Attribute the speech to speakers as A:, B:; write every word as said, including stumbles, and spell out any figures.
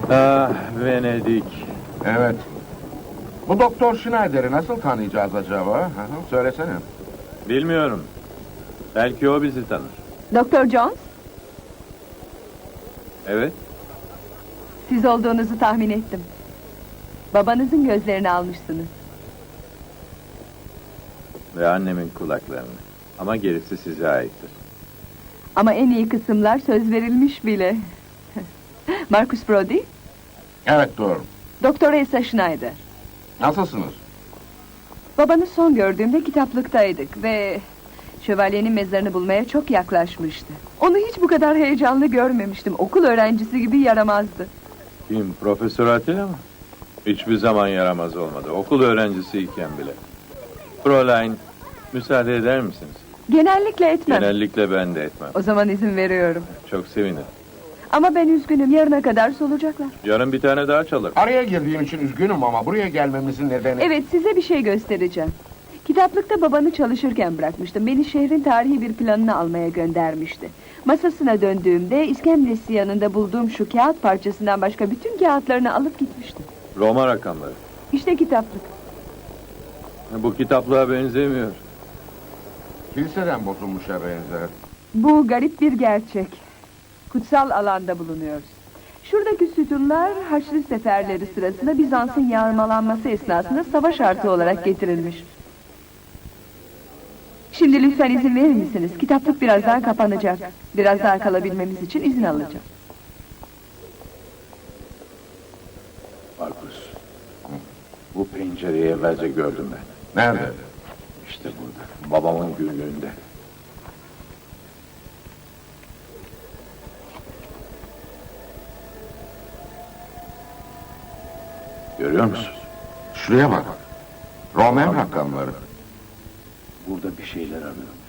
A: Ah, Venedik.
B: Evet. Bu Doktor Schneider'i nasıl tanıyacağız acaba? Hı hı, söylesene.
A: Bilmiyorum. Belki o bizi tanır.
C: Doktor Jones,
A: Evet.
C: siz olduğunuzu tahmin ettim. Babanızın gözlerini almışsınız.
A: Ve annemin kulaklarını. Ama gerisi size aittir.
C: Ama en iyi kısımlar söz verilmiş bile. Marcus Brody,
B: Evet, doğru.
C: Doktor Elsa Schneider.
B: Nasılsınız?
C: Babanı son gördüğümde kitaplıktaydık ve... şövalyenin mezarını bulmaya çok yaklaşmıştı. Onu hiç bu kadar heyecanlı görmemiştim. Okul öğrencisi gibi yaramazdı.
A: Kim? Profesör Atilla mı? Hiçbir zaman yaramaz olmadı. Okul öğrencisiyken bile. Fräulein, müsaade eder misiniz?
C: Genellikle etmem.
A: Genellikle ben de etmem.
C: O zaman izin veriyorum.
A: Çok sevinirim.
C: Ama ben üzgünüm, yarına kadar solacaklar.
A: Yarın bir tane daha çalır.
B: Araya girdiğim için üzgünüm ama buraya gelmemizin nedeni...
C: Evet, size bir şey göstereceğim. Kitaplıkta babanı çalışırken bırakmıştım. Beni şehrin tarihi bir planını almaya göndermişti. Masasına döndüğümde iskemlesi yanında bulduğum şu kağıt parçasından başka bütün kağıtlarını alıp gitmişti.
A: Roma rakamları.
C: İşte kitaplık.
A: Bu kitaplığa benzemiyor.
B: Kiliseden bozulmuşa benzer.
C: Bu garip bir gerçek. Kutsal alanda bulunuyoruz. Şuradaki sütunlar Haçlı seferleri sırasında Bizans'ın yağmalanması esnasında savaş artı olarak getirilmiş. Şimdi lütfen izin verir misiniz? Kitaplık birazdan kapanacak. Biraz daha kalabilmemiz için izin alacağım.
A: Markus, bu pencereyi evvelce gördüm ben.
B: Nerede?
A: İşte burada, babamın günlüğünde. Görüyor musun?
B: Şuraya bak. Roman rakamları.
A: Burada bir şeyler arıyorum.